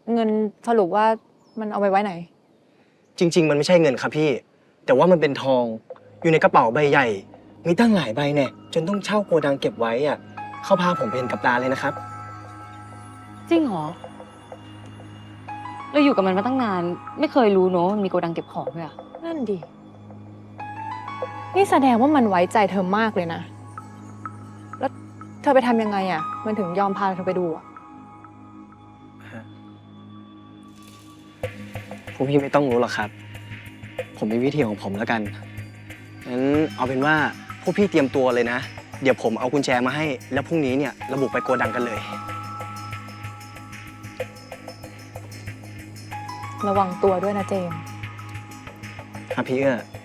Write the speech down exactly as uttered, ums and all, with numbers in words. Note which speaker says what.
Speaker 1: เงินสรุปว่ามันเอาไปไว้ไหน
Speaker 2: จริง ๆ มันไม่ใช่เงินครับพี่ แต่ว่ามันเป็นทองอยู่ในกระเป๋าใบใหญ่ มีตั้งหลายใบเนี่ยจนต้องเช่าโกดังเก็บไว้อะเขาพาผมไปเห็นกับตาเลยนะครับ
Speaker 3: จริงเหรอเราอยู่กับมันมาตั้งนานไม่เคยรู้เนอะมันมีโกดังเก็บของด้วยอะ
Speaker 1: นั่นดินี่แสดงว่ามันไว้ใจเธอมากเลยนะแล้วเธอไปทำยังไงอ่ะมันถึงยอมพาเธอไปดูอ่ะ
Speaker 2: พวกพี่ไม่ต้องรู้หรอกครับ ผมมีวิธีของผมแล้วกันงั้นเอาเป็นว่าพวกพี่เตรียมตัวเลยนะ เดี๋ยวผมเอากุญแจมาให้ แล้วพรุ่งนี้เนี่ยระบุไปโกดังกันเลย
Speaker 1: ระวังตัวด้วยนะเจมส์
Speaker 2: ครับพี่เอื้อ